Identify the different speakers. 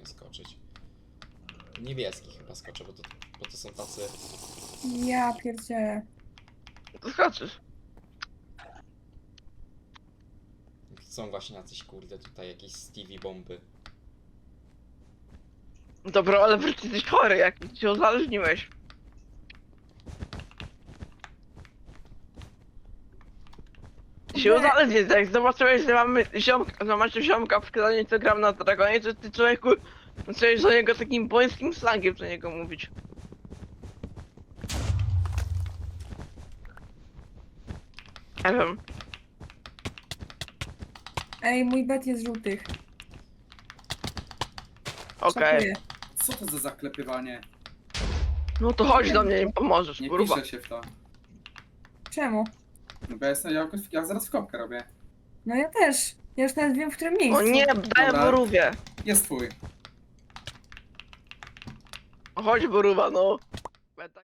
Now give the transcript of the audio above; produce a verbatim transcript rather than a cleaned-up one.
Speaker 1: skoczyć. Niebieski chyba skoczę, bo to, bo to są tacy...
Speaker 2: Ja pierdzielę.
Speaker 3: To skoczysz.
Speaker 1: Są właśnie jacyś kurde tutaj jakieś Stevie bomby.
Speaker 3: Dobra, ale wreszcie jesteś chory, jak się uzależniłeś. Się
Speaker 2: Nie.
Speaker 3: uzależnić, jak zobaczyłeś, że mamy ziomka, że macie ziomka w kranie, co gram na Dragonie, to ty człowieku zacząłeś do niego takim bońskim slangiem do niego mówić. Nie wiem.
Speaker 2: Ej, mój bet jest żółtych.
Speaker 3: Okej.
Speaker 2: Szacuję.
Speaker 4: Co to za zaklepywanie?
Speaker 3: No to chodź do mnie i pomożesz,
Speaker 4: Nie
Speaker 3: kurwa.
Speaker 4: piszę się w to.
Speaker 2: Czemu?
Speaker 4: No bo ja jestem, ja, ja zaraz w kopkę robię.
Speaker 2: No ja też. Ja już nawet wiem, w którym miejscu.
Speaker 3: O nie, daję
Speaker 4: Dobra.
Speaker 3: borówie.
Speaker 4: Jest twój.
Speaker 3: Chodź borówa, no.